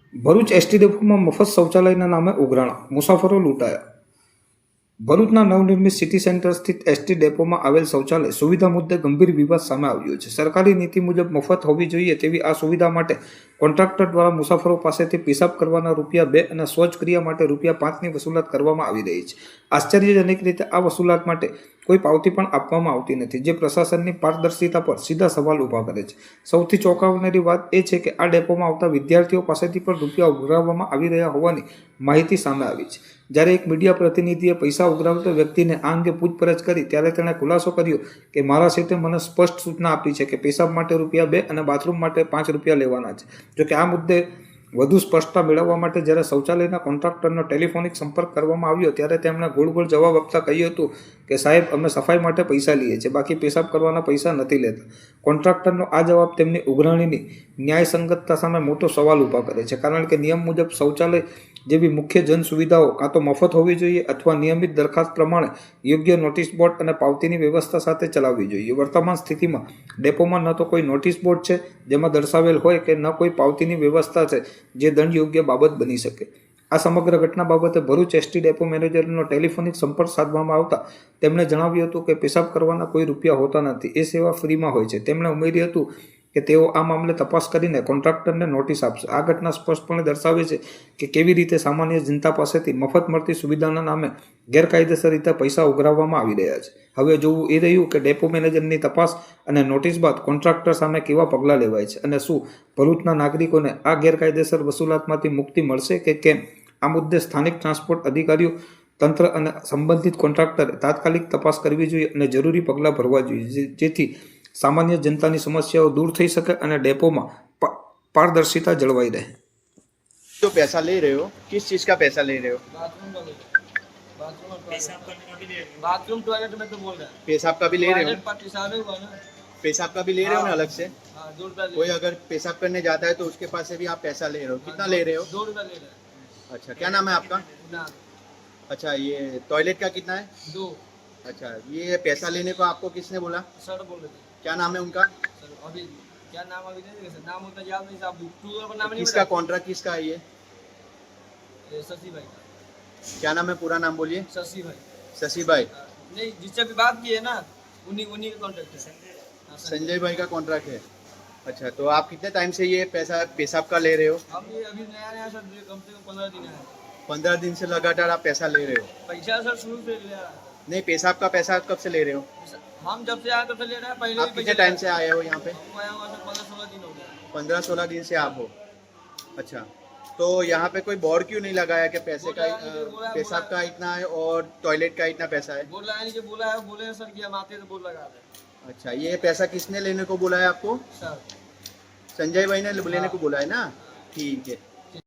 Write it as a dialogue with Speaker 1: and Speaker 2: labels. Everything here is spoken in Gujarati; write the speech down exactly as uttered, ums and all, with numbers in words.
Speaker 1: ભરૂચ એસટી ડેપોમાં મફત શૌચાલયના નામે ઉઘરાણા, મુસાફરો લૂંટાયા. ભરૂચના નવનિર્મિત સિટી સેન્ટર સ્થિત એસટી ડેપોમાં આવેલ શૌચાલય સુવિધા મુદ્દે ગંભીર વિવાદ સામે આવ્યો છે. સરકારી નીતિ મુજબ મફત હોવી જોઈએ તેવી આ સુવિધા માટે કોન્ટ્રાક્ટર દ્વારા મુસાફરો પાસેથી પેશાબ કરવાના રૂપિયા બે અને શૌચક્રિયા માટે રૂપિયા પાંચની વસૂલાત કરવામાં આવી રહી છે. આશ્ચર્યજનક રીતે આ વસૂલાત માટે કોઈ પાવતી પણ આપવામાં આવતી નથી, જે પ્રશાસનની પારદર્શિતા પર સીધા સવાલ ઊભા કરે છે. સૌથી ચોંકાવનારી વાત એ છે કે આ ડેપોમાં આવતા વિદ્યાર્થીઓ પાસેથી પણ રૂપિયા ઉઘરાવવામાં આવી રહ્યા હોવાની માહિતી સામે આવી છે. જ્યારે એક મીડિયા પ્રતિનિધિએ પૈસા ઉઘરાવતા વ્યક્તિને આ અંગે પૂછપરછ કરી ત્યારે તેણે ખુલાસો કર્યો કે મારા સીટે મને સ્પષ્ટ સૂચના આપી છે કે પેશાબ માટે રૂપિયા બે અને બાથરૂમ માટે પાંચ રૂપિયા લેવાના છે. જોકે આ મુદ્દે વધુ સ્પષ્ટતા મેળવવા માટે જ્યારે શૌચાલયના કોન્ટ્રાક્ટરનો ટેલિફોનિક સંપર્ક કરવામાં આવ્યો ત્યારે તેમણે ગોળ ગોળ જવાબ આપતા કહ્યું હતું કે સાહેબ, અમે સફાઈ માટે પૈસા લઈએ છીએ, બાકી પેશાબ કરવાના પૈસા નથી લેતા. કોન્ટ્રાક્ટરનો આ જવાબ તેમની ઉઘરાણીની ન્યાયસંગતતા સામે મોટો સવાલ ઊભા કરે છે, કારણ કે નિયમ મુજબ શૌચાલય જેવી મુખ્ય જન સુવિધાઓ કાં તો મફત હોવી જોઈએ અથવા નિયમિત દરખાસ્ત પ્રમાણે યોગ્ય નોટિસ બોર્ડ અને પાવતીની વ્યવસ્થા સાથે ચલાવવી જોઈએ. વર્તમાન સ્થિતિમાં ડેપોમાં ન તો કોઈ નોટિસ બોર્ડ છે જેમાં દર્શાવેલ હોય કે ન કોઈ પાવતીની વ્યવસ્થા છે જે દંડ યોગ્ય બાબત બની શકે. આ સમગ્ર ઘટના બાબતે ભરૂચ એસટી ડેપો મેનેજરનો ટેલિફોનિક સંપર્ક સાધવામાં આવતા તેમણે જણાવ્યું હતું કે પેશાબ કરવાના કોઈ રૂપિયા હોતા નથી, એ સેવા ફ્રીમાં હોય છે. તેમણે ઉમેર્યું હતું કે તેઓ આ મામલે તપાસ કરીને કોન્ટ્રાક્ટરને નોટિસ આપશે. આ ઘટના સ્પષ્ટપણે દર્શાવે છે કે કેવી રીતે સામાન્ય જનતા પાસેથી મફત મળતી સુવિધાના નામે ગેરકાયદેસર રીતે પૈસા ઉઘરાવવામાં આવી રહ્યા છે. હવે જોવું એ રહ્યું કે ડેપો મેનેજરની તપાસ અને નોટિસ બાદ કોન્ટ્રાક્ટર સામે કેવા પગલાં લેવાય છે અને શું ભરૂચના નાગરિકોને આ ગેરકાયદેસર વસૂલાતમાંથી મુક્તિ મળશે કે કેમ. આ મુદ્દે સ્થાનિક ટ્રાન્સપોર્ટ અધિકારીઓ, તંત્ર અને સંબંધિત કોન્ટ્રાક્ટરે તાત્કાલિક તપાસ કરવી જોઈએ અને જરૂરી પગલાં ભરવા જોઈએ, જેથી સામાન્ય જનતાની સમસ્યાઓ દૂર થઈ શકે અને ડેપોમાં પારદર્શિતા જળવાઈ રહે.
Speaker 2: जो पैसा ले रहे हो, किस चीज का पैसा ले रहे हो?
Speaker 3: बाथरूम टॉयलेट में तो बोल रहा है,
Speaker 2: पेशाब का भी ले रहे हो?
Speaker 3: पेशाब हुआ ना,
Speaker 2: पेशाब का भी ले रहे हो ना अलग से?
Speaker 3: हाँ, दो रुपया ले
Speaker 2: कोई अगर पेशाब करने जाता है तो उसके पास से भी आप पैसा ले रहे हो, कितना ले रहे हो?
Speaker 3: दो रुपया ले रहा है
Speaker 2: अच्छा, क्या नाम है आपका?
Speaker 3: ना,
Speaker 2: अच्छा, ये टॉयलेट का कितना है?
Speaker 3: दो.
Speaker 2: अच्छा, ये पैसा लेने को आपको किसने बोला?
Speaker 3: सर बोल रहे थे
Speaker 2: क्या नाम है उनका?
Speaker 3: सर. अभी क्या नाम अभी नहीं देखा, नाम उनका याद नहीं साहब. टू का नाम नहीं
Speaker 2: किसका कॉन्ट्रैक्ट किसका है ये?
Speaker 3: ये शशि भाई का.
Speaker 2: क्या नाम है, पूरा नाम बोलिए.
Speaker 3: शशि भाई.
Speaker 2: शशि भाई.
Speaker 3: नहीं, जिससे भी बात की है ना, उन्हीं उन्हीं का कॉन्ट्रैक्ट है. हाँ,
Speaker 2: संजय भाई का कॉन्ट्रैक्ट है. अच्छा, तो आप कितने टाइम से ये पैसा पेशाब का ले रहे हो?
Speaker 3: हम ये अभी नया नया सर, कम से कम पंद्रह दिन है.
Speaker 2: पंद्रह दिन से लगातार आप पैसा ले रहे हो?
Speaker 3: पैसा सर शुरू से ले रहा है.
Speaker 2: नहीं, पेशाब का पैसा आप कब से ले रहे हो?
Speaker 3: हम जब से आए तब से ले रहे हैं. पहले
Speaker 2: आप
Speaker 3: भी
Speaker 2: कितने
Speaker 3: पैसे
Speaker 2: टाइम से आए हो यहाँ पे?
Speaker 3: हम आया हुआ सर पंद्रह सोलह दिन हो गया.
Speaker 2: पंद्रह सोलह दिन से आप हो. अच्छा, तो यहाँ पे कोई बोर्ड क्यों नहीं लगाया कि पैसे का अ, पेशाब का इतना है और टॉयलेट का इतना पैसा है?
Speaker 3: बोला है नहीं, जो बोला है बोले हैं सर कि हम आते हैं तो बोल लगा रहे
Speaker 2: अच्छा, ये पैसा किसने लेने को बोला है आपको?
Speaker 3: सर.
Speaker 2: संजय भाई ने लेने
Speaker 3: हाँ।
Speaker 2: को बोला है ना? ठीक है.